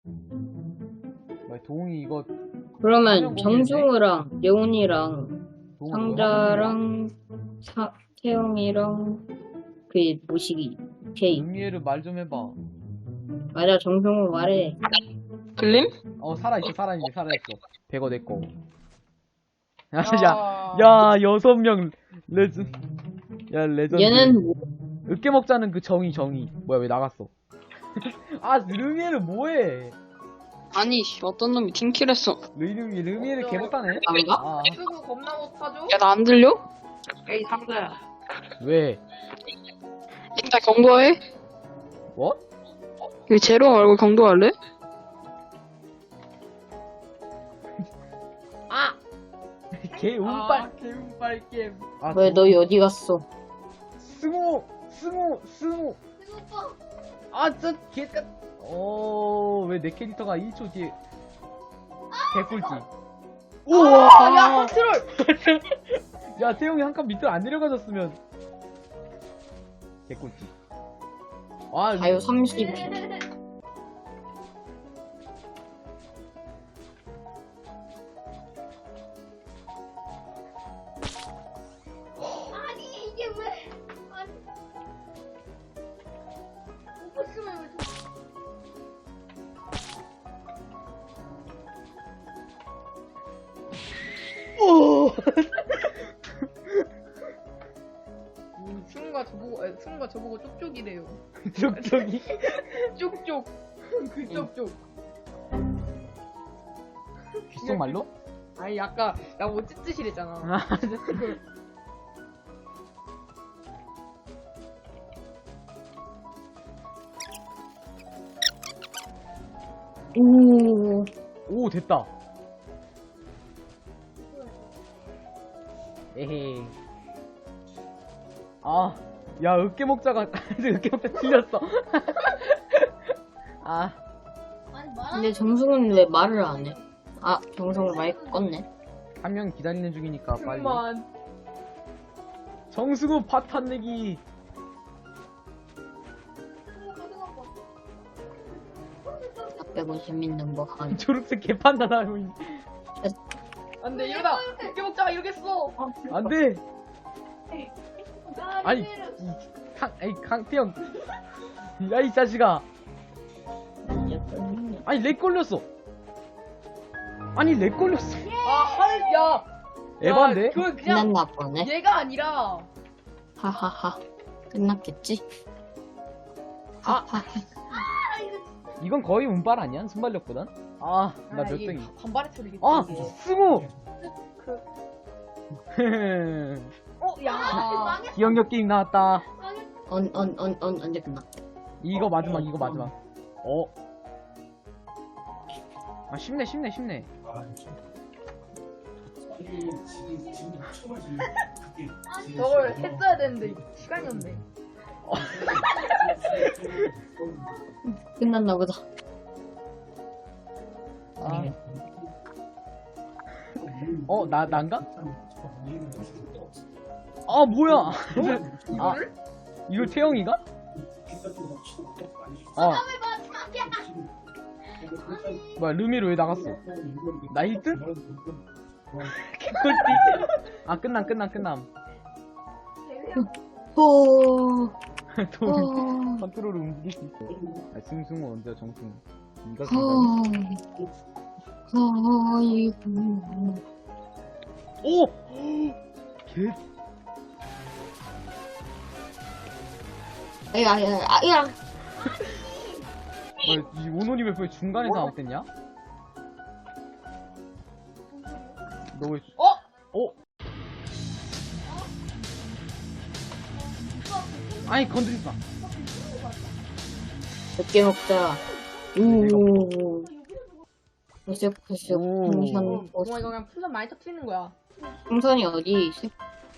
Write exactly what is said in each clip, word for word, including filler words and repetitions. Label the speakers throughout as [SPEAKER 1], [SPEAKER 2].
[SPEAKER 1] 뭐야, 동이 이거
[SPEAKER 2] 그러면 정승우랑 레온이랑
[SPEAKER 1] 동은
[SPEAKER 2] 상자랑 사, 태영이랑 그 모시기 케이.
[SPEAKER 1] 루미에르 말 좀 해봐.
[SPEAKER 2] 맞아, 정승우 말해.
[SPEAKER 3] 들림?
[SPEAKER 1] 어, 살아있어, 살아있네, 살아있어. 백어 내꺼. 야,
[SPEAKER 3] 야.
[SPEAKER 1] 야, 야, 여섯 명 레전, 야, 레전드.
[SPEAKER 2] 얘는 뭐,
[SPEAKER 1] 으깨 먹자는 그 정의, 정의. 뭐야, 왜 나갔어? 아, 루미에르 뭐해?
[SPEAKER 3] 아니, 씨, 어떤 놈이 팀킬했어.
[SPEAKER 1] 루미, 루미에르 개못하네?
[SPEAKER 2] 안가?
[SPEAKER 1] 아,
[SPEAKER 4] 쓰고 겁나 못하죠?
[SPEAKER 3] 야, 나 안 들려?
[SPEAKER 4] 에이 상자야.
[SPEAKER 1] 왜?
[SPEAKER 3] 일단 경고해.
[SPEAKER 1] 뭐?
[SPEAKER 3] 이 제로 말고 경고할래?
[SPEAKER 1] 개 운빨, 개 운빨 게임. 아,
[SPEAKER 2] 왜 너희 어디 갔어?
[SPEAKER 1] 승우, 승우, 승우. 아, 저 개같. 어, 왜 내 캐릭터가 일 초 뒤에 개꿀지. 우와!
[SPEAKER 4] 아, 야 컨트롤.
[SPEAKER 1] 야, 태용이 한 칸 밑으로 안 내려가졌으면 개꿀지. 아,
[SPEAKER 2] 자유 삼십.
[SPEAKER 5] 아니 이게 왜? 아니 먹고 있으면 왜?
[SPEAKER 1] 오!
[SPEAKER 4] 음, 승우가 저보고 에, 승우가 저보고 쪽쪽이래요.
[SPEAKER 1] 쪽쪽이.
[SPEAKER 4] 쪽쪽. 그 쪽쪽.
[SPEAKER 1] 귓속말로?
[SPEAKER 4] 아니 아까 나뭐 찌찌시랬잖아.
[SPEAKER 1] 아,
[SPEAKER 2] 오,
[SPEAKER 1] 오, 됐다. 에헤이. 아, 야, 으깨 먹자가, 으깨 먹자 틀렸어. 아,
[SPEAKER 5] 아니 말하는
[SPEAKER 2] 근데 정승우는 왜 말을 안 해? 아, 정승우 마이크 껐네.
[SPEAKER 1] 한 명 기다리는 중이니까 빨리.
[SPEAKER 4] 그만.
[SPEAKER 1] 정승우 파탄 내기.
[SPEAKER 2] 나 빼고 재밌는 거 하니.
[SPEAKER 1] 초록색 개판다 나고 있네.
[SPEAKER 4] 안돼 이러다 웃겨 먹자가 이러겠어.
[SPEAKER 1] 안 돼. 아니,
[SPEAKER 5] 아니
[SPEAKER 1] 이, 강, 아이, 강태형. 야, 이 자식아. 아니, 렉 걸렸어. 아니, 렉 걸렸어.
[SPEAKER 4] 아 하늘 야.
[SPEAKER 1] 에반데?
[SPEAKER 4] 야, 그 그냥
[SPEAKER 2] 끝났나 보네.
[SPEAKER 4] 얘가 아니라
[SPEAKER 2] 하하하. 끝났겠지?
[SPEAKER 1] 아.
[SPEAKER 2] 하하.
[SPEAKER 1] 이건 거의 운빨 아니야? 순발력보단? 아, 나 몇
[SPEAKER 4] 이게
[SPEAKER 1] 등이.
[SPEAKER 4] 바- 반발의 소리겠지.
[SPEAKER 1] 아,
[SPEAKER 4] 이게.
[SPEAKER 1] 승우!
[SPEAKER 4] 어 야.
[SPEAKER 1] 기억력 게임 나왔다.
[SPEAKER 2] 언, 언, 언, 언, 언제 끝나?
[SPEAKER 1] 이거 마지막, 이거 마지막. 어. 아, 쉽네, 쉽네, 쉽네.
[SPEAKER 4] 저걸 했어야 되는데 시간이 없네.
[SPEAKER 2] 끝났나 보다.
[SPEAKER 1] 아. 어, 나, 난가? 아, 뭐야. 아,
[SPEAKER 4] 이거를?
[SPEAKER 1] 이거 태영이가? 아, 뭐야, 루미로 왜 나갔어? 나 일 등? 개꿀띠. 아, 끝남, 끝남, 끝남.
[SPEAKER 2] 호,
[SPEAKER 1] 돈,
[SPEAKER 2] 호,
[SPEAKER 1] 컨트롤을 움직일 수 있어. 아, 승승우 언제 정승우. 이가
[SPEAKER 2] 호,
[SPEAKER 1] 승승우.
[SPEAKER 2] 아이고.
[SPEAKER 1] 오! 개,
[SPEAKER 2] 아야, 아야, 아야.
[SPEAKER 1] 뭐야, 이 오노님을 왜 중간에서 나왔댔냐? 너 왜,
[SPEAKER 4] 어?
[SPEAKER 1] 어? 아니, 건드리지 마.
[SPEAKER 2] 몇 개 먹자. 오. 보색보색
[SPEAKER 1] 오.
[SPEAKER 2] 풍선,
[SPEAKER 4] 어
[SPEAKER 2] 보색.
[SPEAKER 4] 이거 그냥 풍선 많이 터트리는 거야.
[SPEAKER 2] 풍선이 어디 있어?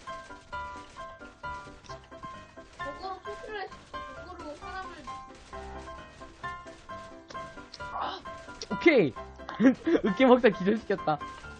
[SPEAKER 5] 거꾸로 토크를 거꾸로 사람을
[SPEAKER 1] 오케이! 으깨 먹다 기절시켰다.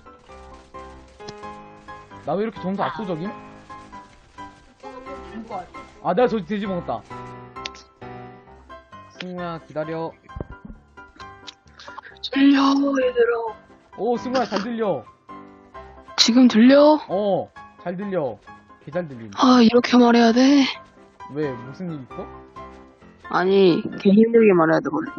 [SPEAKER 1] 나 왜 이렇게 점수 압도적임?
[SPEAKER 4] 죽을 거 같아.
[SPEAKER 1] 아, 내가 저 돼지 먹었다. 승우야, 기다려.
[SPEAKER 3] 들려, 얘들아.
[SPEAKER 1] 오, 승우야, 잘 들려.
[SPEAKER 3] 지금 들려?
[SPEAKER 1] 어, 잘 들려. 개 잘 들림.
[SPEAKER 3] 아, 이렇게 말해야 돼?
[SPEAKER 1] 왜, 무슨 일 있어?
[SPEAKER 3] 아니, 개 힘들게 말해야 되거든.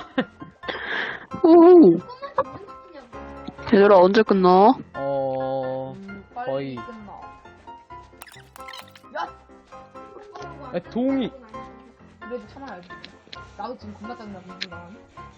[SPEAKER 3] 오, 얘들아, 언제 끝나?
[SPEAKER 1] 어,
[SPEAKER 4] 음, 빨리
[SPEAKER 1] 거의.
[SPEAKER 4] 끝나.
[SPEAKER 1] 야, 동이.
[SPEAKER 4] 그래도 참아야지. 나도 지금 겁나 짜증나, 민준아.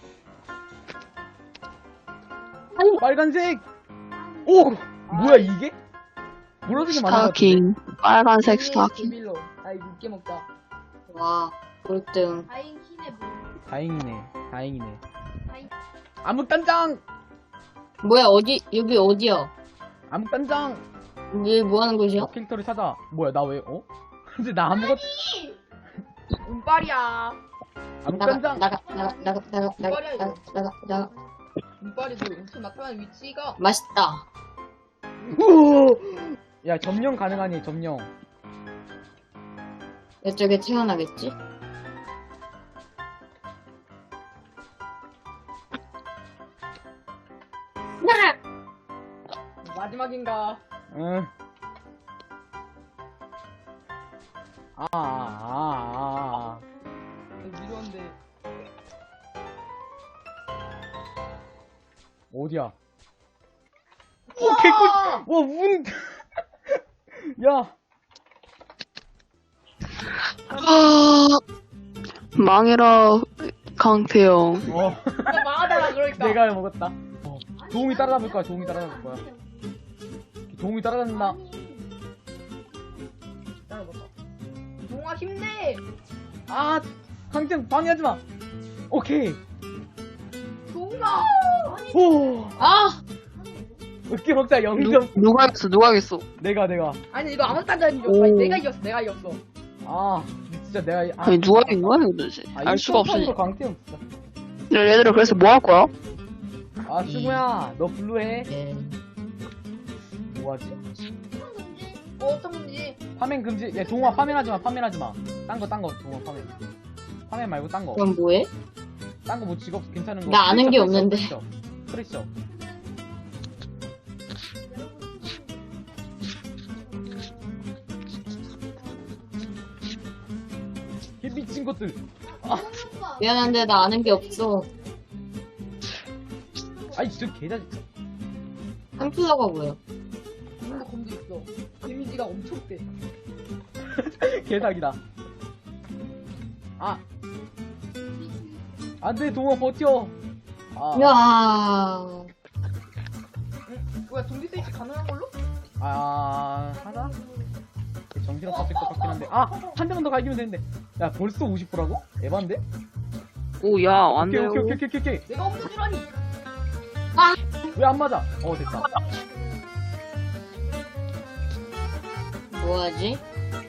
[SPEAKER 1] 빨간색! 오! 뭐야, 이게? 물어주게 많은 것 같은데?
[SPEAKER 3] 스타킹, 빨간색 스타킹.
[SPEAKER 4] 비밀로. 아이, 늦게 먹자.
[SPEAKER 2] 와, 꼴등.
[SPEAKER 5] 다행 힘에 뭐.
[SPEAKER 1] 다행이네, 다행이네.
[SPEAKER 5] 다행.
[SPEAKER 1] 암흑단장!
[SPEAKER 2] 뭐야, 어디, 여기 어디야?
[SPEAKER 1] 암흑단장!
[SPEAKER 2] 여기 뭐 하는 곳이야?
[SPEAKER 1] 너 캐릭터를 찾아. 뭐야, 나 왜, 어? 근데 나 아무것도,
[SPEAKER 4] 운빨이야.
[SPEAKER 2] 나가,
[SPEAKER 1] 암흑단장!
[SPEAKER 2] 나가, 나가, 나가, 나가, 나가, 나가, 나가, 나가.
[SPEAKER 4] 운빨이도 음식 나타나는 위치가.
[SPEAKER 2] 맛있다.
[SPEAKER 1] 야, 점령 가능하니, 점령.
[SPEAKER 2] 이쪽에 태어나겠지?
[SPEAKER 4] 마지막인가.
[SPEAKER 1] 응. 아, 아, 아, 아.
[SPEAKER 4] 미련데.
[SPEAKER 1] 어디야? 오, 개꿀! 와, 운! 야,
[SPEAKER 3] 아, 망해라, 강태영.
[SPEAKER 1] 어,
[SPEAKER 4] 나 망하다가 그러니까.
[SPEAKER 1] 내가 먹었다. 어, 도움이 따라잡을 거야, 도움이 따라잡을 거야. 도움이 따라잡는다.
[SPEAKER 4] 따라봐봐. 동아 힘내.
[SPEAKER 1] 아, 강정 방해하지 마. 오케이.
[SPEAKER 4] 동아.
[SPEAKER 1] 오,
[SPEAKER 2] 아!
[SPEAKER 1] 어깨 먹자
[SPEAKER 3] 누,
[SPEAKER 1] 영점.
[SPEAKER 3] 누가 하겠어, 누가 하겠어?
[SPEAKER 1] 내가 내가.
[SPEAKER 4] 아니 이거 아무 딴자는 이겼어.
[SPEAKER 3] 오.
[SPEAKER 4] 아니, 내가 이겼어. 내가 이겼어.
[SPEAKER 1] 아, 진짜 내가. 아,
[SPEAKER 3] 아니, 누가 이긴 거야, 이거 도대체?
[SPEAKER 1] 아,
[SPEAKER 3] 알 수가 없으니.
[SPEAKER 1] 일점삼으로 강태형 진짜.
[SPEAKER 3] 야, 얘들아, 그래서 뭐 할 거야?
[SPEAKER 1] 아, 승우야, 너 블루해.
[SPEAKER 2] 예.
[SPEAKER 1] 뭐하지?
[SPEAKER 4] 뭐 어떤 건지.
[SPEAKER 1] 파면 금지. 야, 동화 파면하지 마, 파면하지 마. 딴 거, 딴 거, 동화 파면. 파면 말고 딴 거.
[SPEAKER 2] 그럼 뭐해?
[SPEAKER 1] 딴 거 뭐 직업 괜찮은 거.
[SPEAKER 2] 나 아는 게
[SPEAKER 1] 프레셔,
[SPEAKER 2] 없는데.
[SPEAKER 1] 프레셔, 프레셔. 이 미친 것들.
[SPEAKER 2] 미안한데 나 아는 게 없어.
[SPEAKER 1] 아이, 진짜 개자.
[SPEAKER 2] 햄플러가 뭐야?
[SPEAKER 4] 이런 거 검도 있어. 데미지가 엄청 세.
[SPEAKER 1] 개사기다. 아. 안 돼, 동화 버텨. 아.
[SPEAKER 2] 야.
[SPEAKER 4] 뭐야 좀비 스위치 가능한 걸로?
[SPEAKER 1] 아, 하나? 정신없을 것 같긴 한데. 아! 한 대만 더 갈기면 되는데. 야, 벌써 오십 퍼센트라고? 에반데?
[SPEAKER 3] 오, 야, 안
[SPEAKER 1] 오케이,
[SPEAKER 3] 돼요.
[SPEAKER 1] 오케이, 오케이, 오케이, 오케이.
[SPEAKER 4] 내가 없는 줄 아니.
[SPEAKER 1] 왜 안 맞아? 어, 됐다.
[SPEAKER 2] 뭐하지?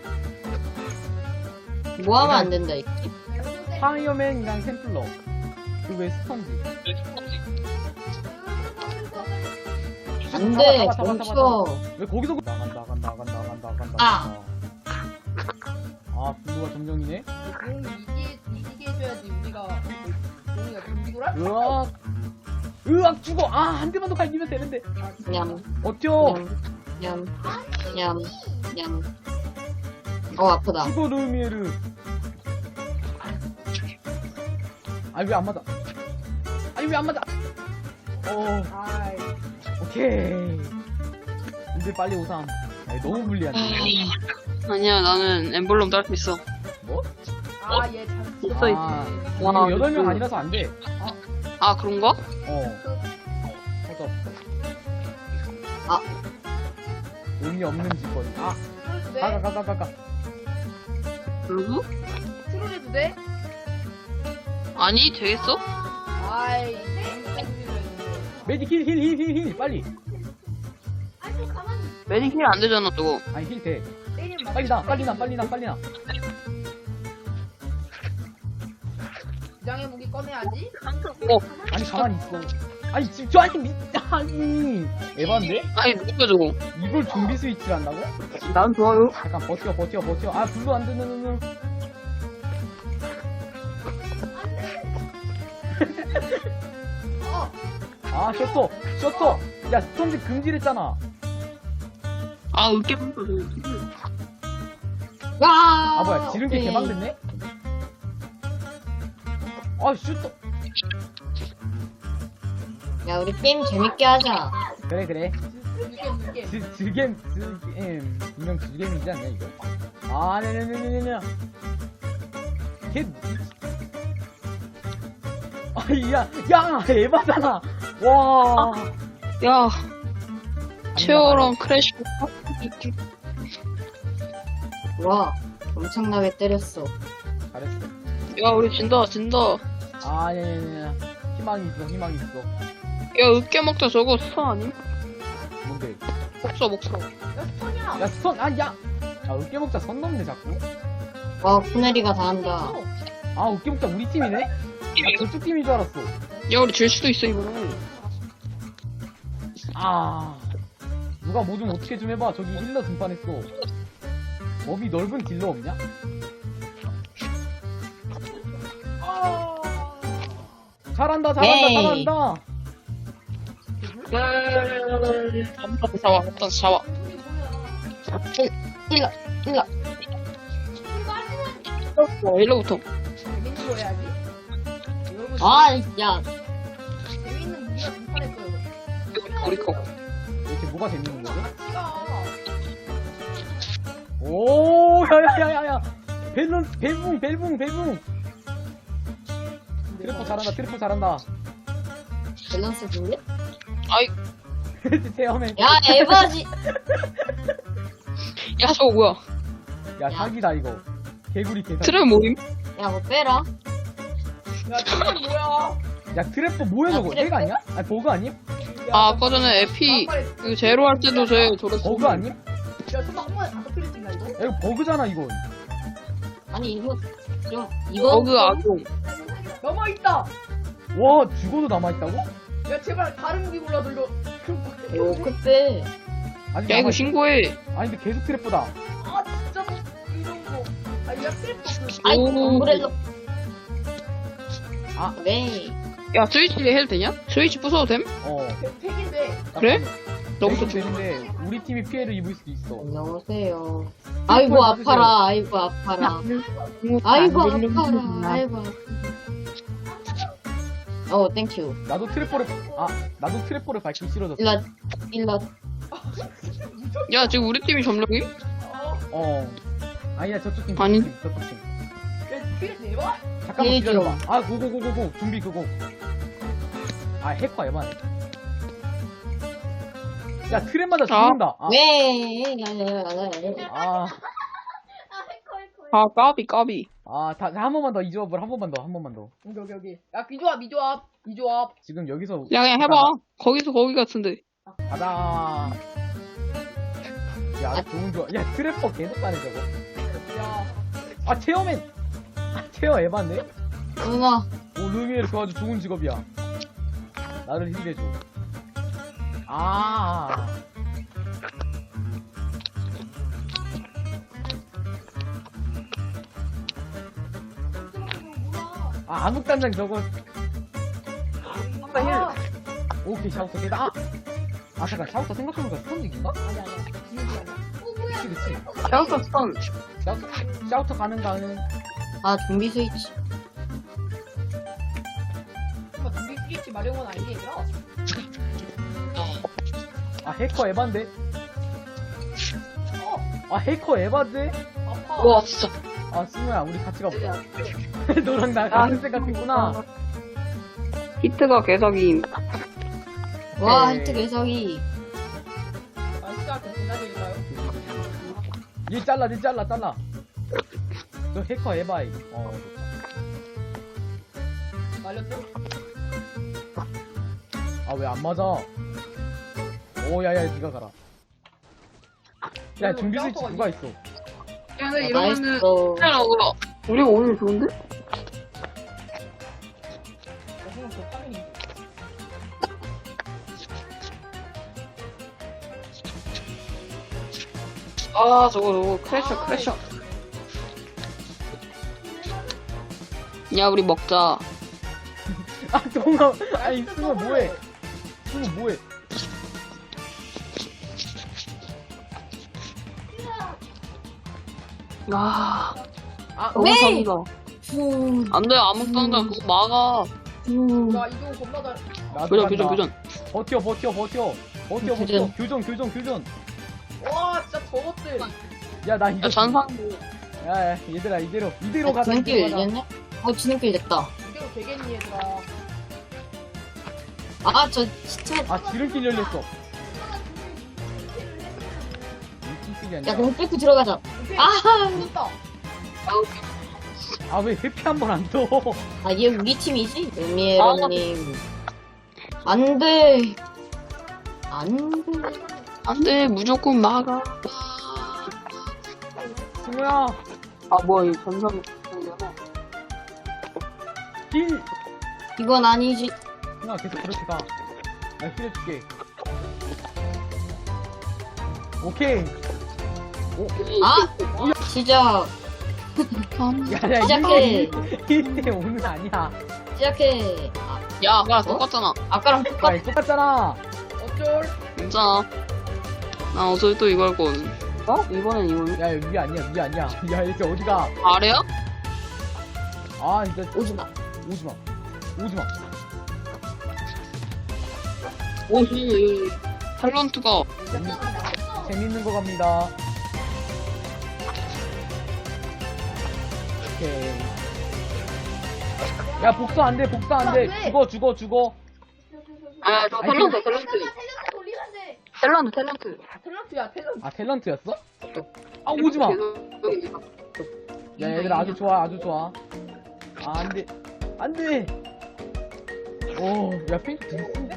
[SPEAKER 2] 뭐 하면 안 된다, 이게.
[SPEAKER 1] 파이어맨이랑 템플러. 그 왜 스펀지?
[SPEAKER 2] 안 돼,
[SPEAKER 1] 잡아, 잡아, 잡아,
[SPEAKER 2] 멈춰.
[SPEAKER 1] 왜 거기서 그- 나간다, 나간다, 나간다, 나간다, 나간다.
[SPEAKER 2] 아.
[SPEAKER 1] 아, 블루가 점령이네?
[SPEAKER 4] 용 이기게 이기게 해줘야지 우리가. 용이가 좀비구라?
[SPEAKER 1] 으악! 으악, 죽어! 아, 한 대만 더 갈기면 되는데.
[SPEAKER 2] 냠,
[SPEAKER 1] 버텨!
[SPEAKER 2] 냠, 냠, 냠. 어, 아프다.
[SPEAKER 1] 죽어, 루미에르. 아니, 왜 안 맞아? 아니, 왜 안 맞아? 어,
[SPEAKER 4] 아이.
[SPEAKER 1] 오케이. 이제 빨리 오삼. 아니, 너무 불리한데.
[SPEAKER 3] 아니야, 나는 엠블럼 딸 수 있어.
[SPEAKER 1] 뭐?
[SPEAKER 4] 아, 얘 잘.
[SPEAKER 3] 있어, 있어.
[SPEAKER 1] 아,
[SPEAKER 3] 와,
[SPEAKER 1] 이거 여덟 명
[SPEAKER 3] 그-
[SPEAKER 1] 아니라서 안 돼.
[SPEAKER 3] 아, 그런가?
[SPEAKER 1] 어. 허접.
[SPEAKER 2] 아.
[SPEAKER 1] 의미 없는 짓거리. 아,
[SPEAKER 4] 트롤 돼?
[SPEAKER 1] 가, 가, 가, 가, 가.
[SPEAKER 3] 누구?
[SPEAKER 4] 트롤 해도 돼?
[SPEAKER 3] 아니, 되겠어?
[SPEAKER 4] 아이.
[SPEAKER 1] 메디 힐, 힐, 힐, 힐, 힐. 빨리.
[SPEAKER 5] 아니 가만히.
[SPEAKER 3] 메디힐 안 되잖아, 저거.
[SPEAKER 1] 아니, 힐 돼.
[SPEAKER 4] 때리면 맞.
[SPEAKER 1] 빨리 나, 빨리 나, 빨리 나, 빨리 나.
[SPEAKER 4] 부장의 무기 꺼내야지.
[SPEAKER 3] 어,
[SPEAKER 1] 아니, 가만히 있어. 아니, 지금 저 아니, 미, 아니. 에반데?
[SPEAKER 3] 아니, 누구야, 저거?
[SPEAKER 1] 이걸 좀비 스위치를 한다고?
[SPEAKER 3] 난 좋아요.
[SPEAKER 1] 잠깐, 버텨, 버텨, 버텨. 아, 불도 안 되는,
[SPEAKER 5] 어.
[SPEAKER 1] 아, 셔터! 셔터! 야, 스턴지 금지랬잖아.
[SPEAKER 3] 아, 으깨 먹자, 저거.
[SPEAKER 2] 와!
[SPEAKER 1] 아, 뭐야, 지름길
[SPEAKER 2] 네.
[SPEAKER 1] 개방됐네? 아, 슈터!
[SPEAKER 2] 야, 우리 게임 재밌게 하자.
[SPEAKER 1] 그래, 그래.
[SPEAKER 4] 느낌 느낌.
[SPEAKER 1] 즈, 즐겜, 즐겜. 분명 즐겜이지 않냐, 이거? 아, 네네네네네. 걔, 아, 야, 야, 에바잖아. 와.
[SPEAKER 3] 야, 체어랑 크래쉬.
[SPEAKER 2] 와, 엄청나게 때렸어.
[SPEAKER 1] 잘했어.
[SPEAKER 3] 야, 우리 진다, 진다.
[SPEAKER 1] 아, 네네네. 희망이 있어, 희망이 있어.
[SPEAKER 3] 야, 으깨 먹자, 저거 스턴 아님?
[SPEAKER 1] 뭔데?
[SPEAKER 3] 먹자, 먹자.
[SPEAKER 4] 야 스톤이야.
[SPEAKER 1] 야, 스턴, 아, 야! 아, 으깨먹자 선 넘네, 자꾸.
[SPEAKER 2] 와, 쿠네리가 다 한다.
[SPEAKER 1] 아, 으깨먹자 우리 팀이네? 나 저쪽 팀인 줄 알았어.
[SPEAKER 3] 야, 우리 질 수도 있어, 이거는.
[SPEAKER 1] 아. 누가 뭐 좀 어떻게 좀 해봐. 저기 힐러 등판했어. 법이 넓은 딜러 없냐? 잘한다, 잘한다,
[SPEAKER 2] 에이.
[SPEAKER 1] 잘한다.
[SPEAKER 3] 한번 잡아, 한번 잡아.
[SPEAKER 2] 일러, 일러.
[SPEAKER 3] 어, 일로부터.
[SPEAKER 4] 재밌는 거 해야지. 여러분
[SPEAKER 2] 아, 야.
[SPEAKER 4] 재밌는 무기가 등판했어요.
[SPEAKER 3] 우리 거.
[SPEAKER 1] 도대체 뭐가 재밌는 거지?
[SPEAKER 4] 같이가.
[SPEAKER 1] 오, 야야야야야. 벨룬, 벨붕, 벨붕, 벨붕. 트래퍼 잘한다, 트래퍼 잘한다.
[SPEAKER 2] 밸런스 볼래?
[SPEAKER 3] 아이,
[SPEAKER 1] 체험해.
[SPEAKER 2] 야, 에바지.
[SPEAKER 3] 야, 저거 뭐야?
[SPEAKER 1] 야, 사기다, 이거. 개구리 개사기.
[SPEAKER 3] 트랩 모임?
[SPEAKER 2] 야, 뭐 빼라.
[SPEAKER 4] 야 트랩 뭐야?
[SPEAKER 1] 야, 트래퍼 뭐야,
[SPEAKER 2] 야,
[SPEAKER 1] 저거?
[SPEAKER 2] 트래퍼?
[SPEAKER 1] 내가 아니야? 아니, 버그 아님?
[SPEAKER 3] 아, 아까 전에 에피, 그 제로 할 때도 쟤 저랬어.
[SPEAKER 1] 버그 아님?
[SPEAKER 4] 야 설마 한 번에 다섯 킬을 찍나 이거?
[SPEAKER 1] 야, 이거 버그잖아, 이건.
[SPEAKER 2] 아니, 이거, 좀, 이거.
[SPEAKER 3] 버그 악용.
[SPEAKER 4] 넘어 있다.
[SPEAKER 1] 와, 죽어도 남아있다고?
[SPEAKER 4] 야 제발 다른 무기 골라도 이거.
[SPEAKER 2] 오, 그때.
[SPEAKER 1] 아직
[SPEAKER 3] 야, 이거
[SPEAKER 1] 남아있-
[SPEAKER 3] 신고해.
[SPEAKER 1] 아니, 근데 계속 트래퍼다.
[SPEAKER 4] 아 진짜 뭐 이런 거. 아야 트랩 그.
[SPEAKER 2] 아이,
[SPEAKER 3] 오.
[SPEAKER 2] 엄브렐러.
[SPEAKER 1] 아.
[SPEAKER 2] 네.
[SPEAKER 3] 야, 스위치 해도 되냐? 스위치 부숴도 됨?
[SPEAKER 1] 어.
[SPEAKER 4] 택인데.
[SPEAKER 3] 그래? 너부터
[SPEAKER 1] 되긴
[SPEAKER 3] 주
[SPEAKER 1] 되는데, 우리 팀이 피해를 입을 수도 있어.
[SPEAKER 2] 안녕하세요. 아이고, 아파라. 아이고, 아파라. 아이고, 아파라. 아이고, 아파라. 어, 땡큐.
[SPEAKER 1] 나도 트래퍼를, 아, 나도 트래퍼를 밟기 싫어졌어.
[SPEAKER 2] 일라, 일라.
[SPEAKER 3] 야, 지금 우리 팀이 점령이?
[SPEAKER 4] 어.
[SPEAKER 1] 어. 아니야, 저쪽 팀,
[SPEAKER 3] 아니.
[SPEAKER 1] 저쪽 팀, 저쪽 팀.
[SPEAKER 4] 야 킬 대박.
[SPEAKER 1] 잠깐만
[SPEAKER 2] 일
[SPEAKER 1] 기다려봐. 아, 고고고고고. 준비 그거. 아, 해커 에바네. 야, 트랩마다 죽는다. 아,
[SPEAKER 2] 왜?
[SPEAKER 1] 아,
[SPEAKER 5] 아 해커 해커.
[SPEAKER 3] 아, 까비, 까비.
[SPEAKER 1] 아, 다, 한 번만 더, 이 조합을 한 번만 더, 한 번만 더.
[SPEAKER 4] 여기 여기 여기. 야 비조합 비조합 비조합.
[SPEAKER 1] 지금 여기서.
[SPEAKER 3] 야, 그냥 해봐. 거기서 거기 같은데.
[SPEAKER 1] 가자. 야, 좋은 조합. 야, 트래퍼 계속 가네, 저거.
[SPEAKER 4] 야.
[SPEAKER 1] 아, 체어맨! 아, 체어 에반데?
[SPEAKER 2] 누나.
[SPEAKER 1] 오, 루미에르 그거 아주 좋은 직업이야. 나를 힐해줘. 아. 아, 암흑단장 저거.
[SPEAKER 4] 아.
[SPEAKER 1] 오케이, 샤우터 개다. 아! 아, 잠깐, 샤우터 생각해보니까 스턴직인가?
[SPEAKER 4] 아니 아니. 기억이 아니야.
[SPEAKER 1] 그치, 그치.
[SPEAKER 3] 샤우터 스턴.
[SPEAKER 1] 샤우터, 샤우터 가는 가는.
[SPEAKER 2] 아, 좀비 스위치.
[SPEAKER 4] 정말 준비 스위치 마련은 아니지 얘들아.
[SPEAKER 1] 아, 해커 에반데?
[SPEAKER 4] 어.
[SPEAKER 1] 아, 해커 에반데?
[SPEAKER 4] 아파.
[SPEAKER 3] 와, 진짜.
[SPEAKER 1] 아, 승우야, 우리 같이 가보자. 너랑 나 같은 생각했구나.
[SPEAKER 3] 히트가 개사기임.
[SPEAKER 2] 와,
[SPEAKER 1] 네.
[SPEAKER 2] 히트 개석이.
[SPEAKER 4] 아 진짜 그 기다릴까요?
[SPEAKER 1] 얘 잘라, 얘 잘라, 잘라. 저 해커 에바이. 어, 좋다.
[SPEAKER 4] 말렸어?
[SPEAKER 1] 아, 왜 안 맞아? 오, 야, 야, 니가 가라. 야, 준비 스위치 누가 있어?
[SPEAKER 3] 야, 근데
[SPEAKER 2] 아,
[SPEAKER 3] 이러면은.
[SPEAKER 2] 나이스.
[SPEAKER 3] 야, 뭐야. 우리가 오늘 좋은데?
[SPEAKER 4] 나 생각 그 파밍이.
[SPEAKER 3] 아, 저거, 저거. 크래셔, 크래셔. 야, 우리 먹자.
[SPEAKER 1] 아, 동아. 아니, 승우 뭐해? 승우 뭐해?
[SPEAKER 3] 아,
[SPEAKER 1] 아,
[SPEAKER 3] 너무
[SPEAKER 2] 네!
[SPEAKER 3] 잔다.
[SPEAKER 2] 후,
[SPEAKER 3] 안 돼, 아무것도 안 돼. 그거 막아.
[SPEAKER 2] 후.
[SPEAKER 4] 야 이거 겁나 잘.
[SPEAKER 1] 나도
[SPEAKER 3] 교전,
[SPEAKER 1] 간다.
[SPEAKER 3] 교전, 교전.
[SPEAKER 1] 버텨, 버텨, 버텨. 버텨, 버텨.
[SPEAKER 2] 교전.
[SPEAKER 1] 교전, 교전, 교전.
[SPEAKER 4] 와 진짜 저것들.
[SPEAKER 1] 야, 나 이거.
[SPEAKER 3] 야, 잔상.
[SPEAKER 1] 야, 야, 얘들아, 이대로. 이대로
[SPEAKER 2] 야,
[SPEAKER 1] 가자.
[SPEAKER 2] 지름길
[SPEAKER 1] 이대로 가자.
[SPEAKER 2] 열렸네? 어, 지름길 됐다.
[SPEAKER 4] 이대로 되겠니 얘들아.
[SPEAKER 2] 아, 저 진짜.
[SPEAKER 1] 아, 지름길 열렸어. 지름길이 아니라.
[SPEAKER 2] 야, 그럼 뚫고 들어가자.
[SPEAKER 4] 오케이.
[SPEAKER 2] 아,
[SPEAKER 4] 죽었다.
[SPEAKER 1] 아, 왜 회피 한 번 안 떠?
[SPEAKER 2] 아, 얘 우리 팀이지? 음미에러님. 안 돼. 안 돼.
[SPEAKER 3] 안 돼, 무조건 막아.
[SPEAKER 1] 승우야,
[SPEAKER 3] 아, 뭐야, 이 전상.
[SPEAKER 1] 힐!
[SPEAKER 2] 이건 아니지.
[SPEAKER 1] 승우야, 계속 그렇게 가. 나 힐해줄게. 오케이.
[SPEAKER 2] 아! 시작.
[SPEAKER 1] 야, 야,
[SPEAKER 2] 시작해.
[SPEAKER 1] 일 대 오는 아니야.
[SPEAKER 2] 시작해. 아,
[SPEAKER 3] 야, 야, 똑같잖아.
[SPEAKER 2] 아까랑 똑같.
[SPEAKER 1] 야, 똑같잖아.
[SPEAKER 4] 어쩔.
[SPEAKER 3] 괜찮아. 나 어차피 또 이거 할 거거든. 어? 이번엔 이거는?
[SPEAKER 1] 야, 위 아니야, 위 아니야. 야, 이제 어디가?
[SPEAKER 3] 아래야?
[SPEAKER 1] 아, 진짜.
[SPEAKER 2] 오지 마.
[SPEAKER 1] 오지 마. 오지 마.
[SPEAKER 3] 오, 이 탤런트가.
[SPEAKER 1] 재미, 재밌는 거 갑니다. 오케이. 야, 복수 안 돼, 복수 안 돼. 죽어, 죽어, 죽어.
[SPEAKER 3] 아, 저
[SPEAKER 1] 아니,
[SPEAKER 3] 탤런트,
[SPEAKER 5] 텔레
[SPEAKER 3] 탤런트.
[SPEAKER 5] 텔레 돌리면 돼.
[SPEAKER 3] 탤런트, 탤런트.
[SPEAKER 4] 탤런트야 탤런트.
[SPEAKER 1] 아, 탤런트였어? 아, 오지 마. 야, 얘들아, 아주 좋아, 아주 좋아. 아, 안 돼. 안 돼. 오, 야, 핑크 되게 센데?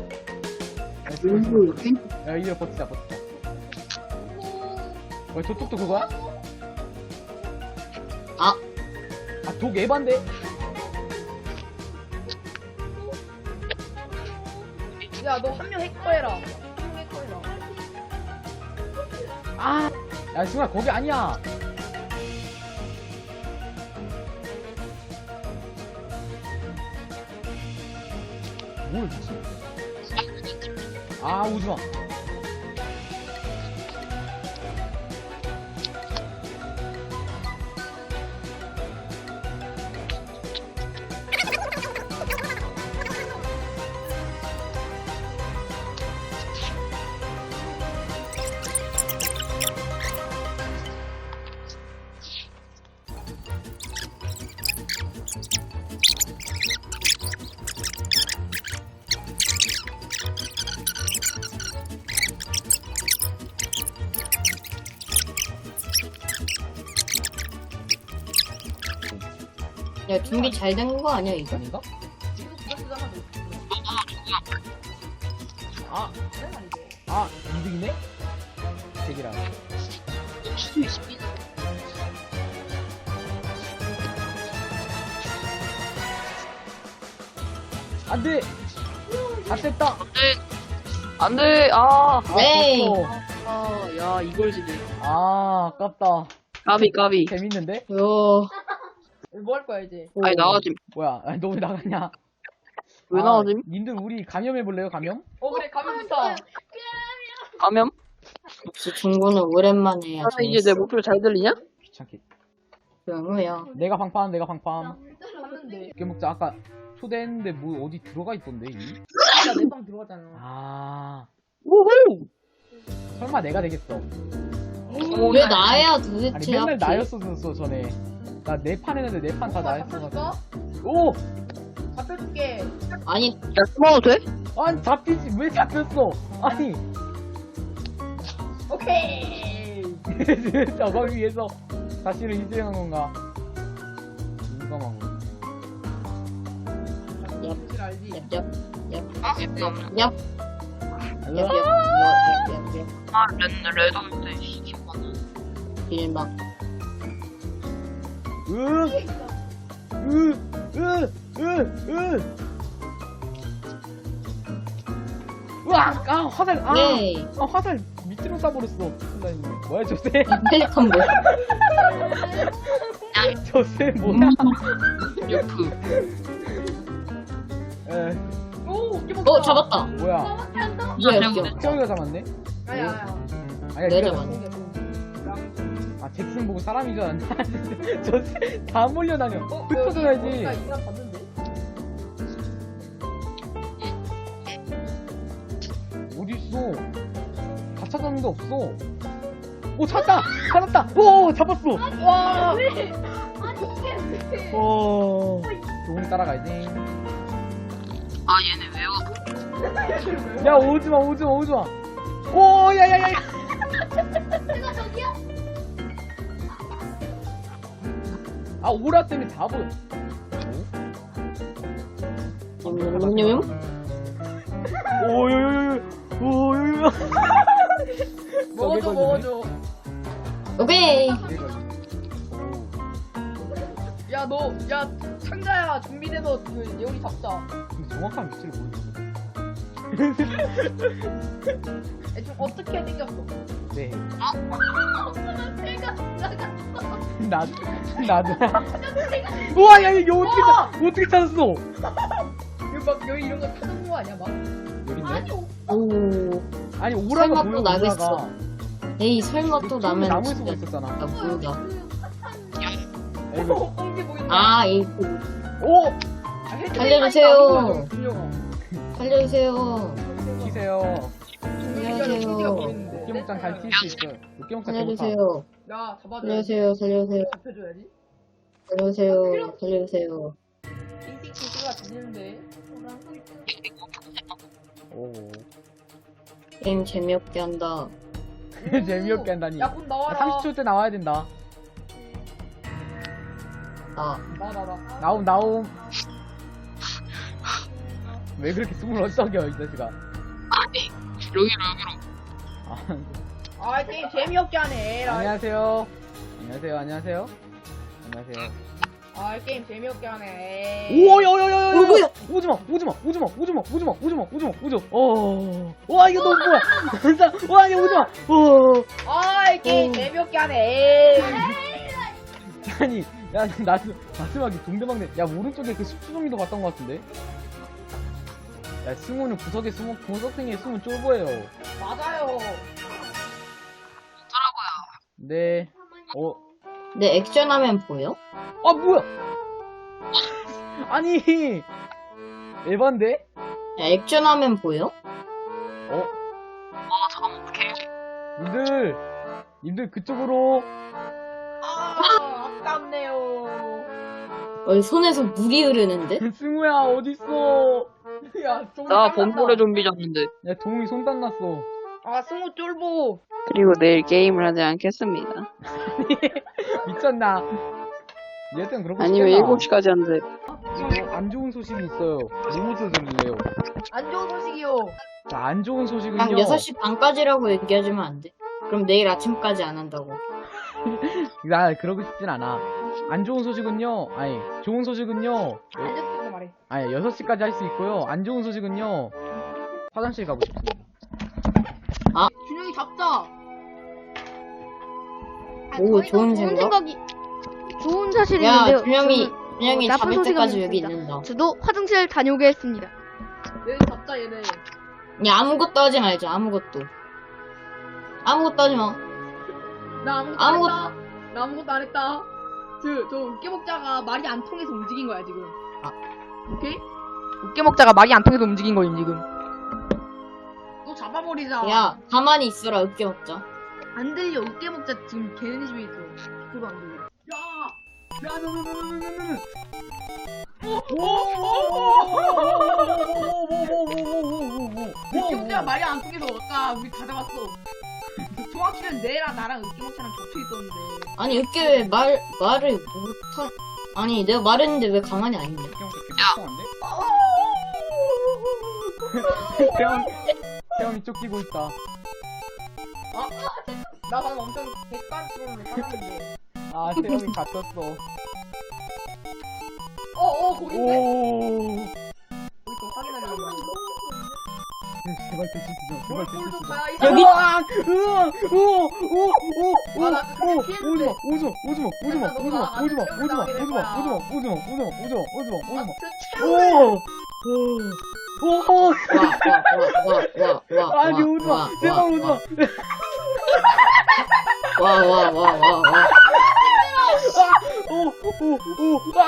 [SPEAKER 1] 야, 야, 이래 버티자, 버티자. 어, 저쪽도 그거야?
[SPEAKER 2] 아,
[SPEAKER 1] 아, 독 에반데?
[SPEAKER 4] 야 너 한 명 해커해라. 한 명 해커해라.
[SPEAKER 1] 아! 야, 승우야, 거기 아니야. 뭘 미치? 아, 오지 마.
[SPEAKER 2] 야, 준비 잘 된 거 아니야, 이거?
[SPEAKER 1] 아닌가?
[SPEAKER 4] 이거 누가 쓰잖아.
[SPEAKER 1] 아,
[SPEAKER 4] 그래 말이지.
[SPEAKER 1] 아, 이득이네? 대기라. 안 돼! 다 뺐다!
[SPEAKER 3] 안 돼, 아.
[SPEAKER 1] 아,
[SPEAKER 2] 네.
[SPEAKER 1] 벌써.
[SPEAKER 3] 아, 야, 이걸 지네.
[SPEAKER 1] 아, 아깝다.
[SPEAKER 3] 까비, 까비.
[SPEAKER 1] 재밌는데?
[SPEAKER 2] 요.
[SPEAKER 4] 뭐 할 거야 이제?
[SPEAKER 3] 아니, 나가지.
[SPEAKER 1] 뭐야, 아니, 너 왜 나가냐?
[SPEAKER 3] 왜
[SPEAKER 1] 아,
[SPEAKER 3] 나가지?
[SPEAKER 1] 님들 우리 감염해볼래요, 감염?
[SPEAKER 4] 어 그래 가면 좋다.
[SPEAKER 3] 가면?
[SPEAKER 2] 역시 중고는 오랜만에 해야
[SPEAKER 3] 아, 이제 내 목소리 잘 들리냐?
[SPEAKER 1] 귀찮게.
[SPEAKER 2] 조용해요.
[SPEAKER 1] 내가 방파함, 내가 방파함.
[SPEAKER 4] 하는데.
[SPEAKER 1] 깨먹자, 아까 초대했는데 뭐 어디 들어가 있던데, 이미?
[SPEAKER 4] 나내 방 들어가잖아.
[SPEAKER 1] 아,
[SPEAKER 3] 오호!
[SPEAKER 1] 설마 내가 되겠어.
[SPEAKER 2] 왜 나야
[SPEAKER 1] 아니,
[SPEAKER 2] 도대체?
[SPEAKER 1] 맨날
[SPEAKER 2] 하필?
[SPEAKER 1] 나였었어, 전에. 나 네 판 했는데 네 판 다
[SPEAKER 4] 잡혀줄까?
[SPEAKER 1] 나였어가지고. 오!
[SPEAKER 4] 잡혀줄게.
[SPEAKER 2] 아니,
[SPEAKER 3] 야, 숨어도 돼?
[SPEAKER 1] 아니, 잡히지, 왜 잡혔어? 아니,
[SPEAKER 4] 오케이.
[SPEAKER 1] 저거 위해서 다시를 희생한 건가? 민감하고.
[SPEAKER 4] 사실 알지.
[SPEAKER 2] 얍, 얍,
[SPEAKER 3] 아, 예쁘다.
[SPEAKER 2] 얍, 얍, 얍,
[SPEAKER 1] 알로?
[SPEAKER 2] 얍, 얍, 얍, 얍.
[SPEAKER 3] 아, 레, 레드인데, 시키구나.
[SPEAKER 2] 길막.
[SPEAKER 1] 으! 으! 으! 으! 으! 으악! 아, 화살, 아!
[SPEAKER 2] 네.
[SPEAKER 1] 아, 화살 밑으로 쏴버렸어. 큰일 났네. 뭐야, 저새?
[SPEAKER 2] 펠리컨 뭐?
[SPEAKER 1] 저새 뭐야?
[SPEAKER 3] 유프.
[SPEAKER 1] 에.
[SPEAKER 4] 오.
[SPEAKER 2] 어 잡았다.
[SPEAKER 1] 뭐야?
[SPEAKER 2] 뭐야 여기.
[SPEAKER 1] 태영이가 잡았네?
[SPEAKER 4] 아니야 아니야.
[SPEAKER 1] 아니야,
[SPEAKER 2] 내가
[SPEAKER 1] 네가
[SPEAKER 2] 잡았네.
[SPEAKER 1] 잡았어. 아, 잭슨 보고 사람인 줄 알았네. 저다 몰려다녀.
[SPEAKER 4] 어,
[SPEAKER 1] 흩어져야지.
[SPEAKER 4] 나 이거 봤는데.
[SPEAKER 1] 어딨어? 다 찾았는데 없어. 오, 찾았다! 찾았다! 오, 잡았어!
[SPEAKER 4] 와.
[SPEAKER 5] 아니 이게 왜?
[SPEAKER 1] 오, 조금 따라가야지.
[SPEAKER 3] 아 얘네 왜 와?
[SPEAKER 1] 야, 오지마, 오지마, 오지마. 오, 야, 야, 야, 야.
[SPEAKER 5] 내가 저기야?
[SPEAKER 1] 아, 오라 때문에 다 보여.
[SPEAKER 2] 냠냠냠냠.
[SPEAKER 1] 오, 요, 요, 요, 오, 요, 요.
[SPEAKER 4] 먹어줘 먹어줘.
[SPEAKER 2] 오케이.
[SPEAKER 4] 야 너 야 상자야 준비돼서 그 예원이 잡자.
[SPEAKER 1] 근데 정확한 위치를 모르겠어.
[SPEAKER 4] 애 좀 어떻게 생겼어?
[SPEAKER 1] 네.
[SPEAKER 5] 내가 나가.
[SPEAKER 1] 나도, 나도. 우와, 야, 이거 어떻게, 찾- 어떻게 찾았어?
[SPEAKER 4] 이거 막 여기 이런 거 타는 거 아니야 막?
[SPEAKER 1] 여기 있네?
[SPEAKER 2] 오.
[SPEAKER 1] 아니, 오라가
[SPEAKER 2] 설마
[SPEAKER 1] 보여,
[SPEAKER 2] 또 나겠어.
[SPEAKER 1] 오라가.
[SPEAKER 2] 에이 설마 또 나면
[SPEAKER 1] 나무에 숨어
[SPEAKER 2] 진짜
[SPEAKER 1] 있었잖아.
[SPEAKER 2] 나 모르다.
[SPEAKER 1] 에이구.
[SPEAKER 4] 어 꽁지 보인다.
[SPEAKER 2] 아 이.
[SPEAKER 1] 오!
[SPEAKER 4] 아, 해도
[SPEAKER 2] 살려주세요.
[SPEAKER 4] 되니까 분명아.
[SPEAKER 2] 살려주세요.
[SPEAKER 1] 키세요.
[SPEAKER 2] 안녕하세요.
[SPEAKER 1] 육개목장 잘 킬 수 있어요. 육개목장 개못하.
[SPEAKER 2] 살려주세요.
[SPEAKER 4] 야 잡아줘.
[SPEAKER 2] 살려주세요. 살려주세요.
[SPEAKER 4] 잡혀줘야지.
[SPEAKER 2] 살려주세요. 살려주세요.
[SPEAKER 4] 띵띵띵띵가 들리는데.
[SPEAKER 1] 오.
[SPEAKER 2] 게임 재미없게 한다.
[SPEAKER 1] 재미없게 한다니.
[SPEAKER 4] 야곧 나와라.
[SPEAKER 1] 삼십 초 때 나와야 된다.
[SPEAKER 2] 아
[SPEAKER 4] 나나 나.
[SPEAKER 1] 나옴, 나옴. 왜 그렇게 숨을 어쩌겨, 이 자식아.
[SPEAKER 3] 아니 여기로 여기로.
[SPEAKER 1] 아,
[SPEAKER 4] 아 게임 재미없게 하네. 에라이.
[SPEAKER 1] 안녕하세요. 안녕하세요, 안녕하세요. 안녕하세요.
[SPEAKER 4] 아 게임 재미없게 하네.
[SPEAKER 1] 오, 야, 야, 야, 야, 야.
[SPEAKER 2] 어, 뭐야?
[SPEAKER 1] 오지마, 오지마, 오지마, 오지마, 오지마, 오지마, 오지마, 오지마, 어. 와, 이거 너무 뭐야. 진짜, 와, 이거 오지마. 어.
[SPEAKER 4] 아 게임
[SPEAKER 1] 어.
[SPEAKER 4] 재미없게 하네.
[SPEAKER 1] 아니, 야, 나도 마지막에 동대방네. 야, 오른쪽에 그 숙주정이도 봤던 것 같은데? 야, 승우는 구석에 숨어, 구석탱이에 숨은 쫄보예요.
[SPEAKER 4] 맞아요.
[SPEAKER 1] 네. 어,
[SPEAKER 2] 내 액션하면 보여?
[SPEAKER 1] 아, 뭐야! 아니, 에반데?
[SPEAKER 2] 야, 액션하면 보여?
[SPEAKER 1] 어?
[SPEAKER 3] 아 잠깐만 어떡해.
[SPEAKER 1] 님들, 님들 그쪽으로.
[SPEAKER 4] 아 아깝네요.
[SPEAKER 2] 어, 손에서 물이 흐르는데?
[SPEAKER 1] 승우야, 어딨어?
[SPEAKER 4] 야 좀.
[SPEAKER 3] 나 범고래 좀비 잡는데.
[SPEAKER 1] 야, 동욱이 손 땀났어.
[SPEAKER 4] 아 승우 쫄보.
[SPEAKER 3] 그리고 내일 게임을 하지 않겠습니다.
[SPEAKER 1] 미쳤나? 얘한테는 그러고
[SPEAKER 3] 아니면
[SPEAKER 1] 싶겠나?
[SPEAKER 3] 일곱 시까지 한대.
[SPEAKER 1] 어, 안 좋은 소식이 있어요. 뭐부터 들을래요?
[SPEAKER 4] 안 좋은 소식이요.
[SPEAKER 1] 자, 안 좋은 소식은요.
[SPEAKER 2] 한 여섯 시 반까지라고 얘기하지만 안 돼. 그럼 내일 아침까지 안 한다고.
[SPEAKER 1] 나 그러고 싶진 않아. 안 좋은 소식은요. 아니, 좋은 소식은요.
[SPEAKER 4] 안 좋다고 말해.
[SPEAKER 1] 아니, 여섯 시까지 할 수 있고요. 안 좋은 소식은요. 화장실 가고 싶습니다.
[SPEAKER 4] 준영이 잡자.
[SPEAKER 2] 오, 좋은 생각?
[SPEAKER 5] 생각이 좋은 사실이
[SPEAKER 2] 야,
[SPEAKER 5] 있는데요.
[SPEAKER 2] 준영이,
[SPEAKER 5] 저는,
[SPEAKER 2] 준영이
[SPEAKER 5] 어, 나쁜
[SPEAKER 2] 잡을
[SPEAKER 5] 소식은
[SPEAKER 2] 때까지 여기
[SPEAKER 5] 있습니다.
[SPEAKER 2] 있는다.
[SPEAKER 5] 저도 화장실 다녀오게 했습니다.
[SPEAKER 4] 얘네 잡자 얘네.
[SPEAKER 2] 야, 아무것도 하지 말자, 아무것도. 아무것도 하지 마.
[SPEAKER 4] 나 아무것도
[SPEAKER 2] 아무것-
[SPEAKER 4] 안 했다. 나 아무것도 안 했다. 저, 저 으깨먹자가 말이 안 통해서 움직인 거야 지금.
[SPEAKER 2] 아.
[SPEAKER 4] 오케이? 으깨먹자가 말이 안 통해서 움직인 거임 지금. 또 잡아버리자.
[SPEAKER 2] 야, 가만히 있어라, 으깨 먹자.
[SPEAKER 4] 안 들려. 으깨먹자 지금 걔네 집에 있어. 저도 안 들려. 야! 야, 너, 너, 너, 너, 너, 너, 너. 으깨먹자가 말이 안 통해서 아까 우리 다 잡았어. 정확히는 내랑 나랑 으깨먹자랑 겹쳐 있었는데.
[SPEAKER 2] 아니, 으깨 왜 말, 말을 못하, 아니, 내가 말했는데 왜 가만히 안 있냐?
[SPEAKER 1] 태영, 태영이 쫓기고 있다.
[SPEAKER 4] 나 방금 엄청 객관식으로 깔았는데.
[SPEAKER 1] 아, 태영이 갇혔어.
[SPEAKER 4] 어, 어, 거긴데?
[SPEAKER 1] 오.
[SPEAKER 4] 우리 좀 확인하려고.
[SPEAKER 1] 제발 대시시죠. 제발 대시시죠.
[SPEAKER 2] 여기-
[SPEAKER 1] 으악! 으악! 으악! 오! 오! 오!
[SPEAKER 4] 아, 나
[SPEAKER 1] 오!
[SPEAKER 4] 피했는데.
[SPEAKER 1] 오지마! 오지마! 오지마! 오지마! 오지마! 오지마! 오지마! 오지마! 오지마! 오지마! 오지마! 오지마! 오지마! 오지마! 오지마! 오지마!
[SPEAKER 4] 저
[SPEAKER 1] 오!
[SPEAKER 4] 최후의,
[SPEAKER 1] 오! 오,
[SPEAKER 2] 와와와와와와와
[SPEAKER 1] 아니, 오지 마. 제발 오지 마.
[SPEAKER 2] 와와와와와
[SPEAKER 1] 오, 오, 오, 아.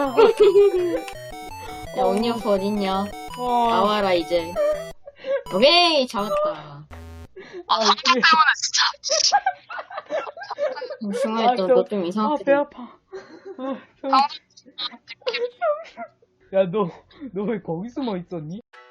[SPEAKER 2] 야 언니 아빠 어딨냐?
[SPEAKER 1] 어.
[SPEAKER 2] 나와라 이제. 오케이 잡았다.
[SPEAKER 3] 아, 방금 때문에 진짜.
[SPEAKER 2] 승아야
[SPEAKER 1] 아, 저-
[SPEAKER 2] 너좀
[SPEAKER 1] 아,
[SPEAKER 2] 이상하게.
[SPEAKER 1] 배 아파. 아, 형. 야, 너, 너 왜 거기 숨어 있었니?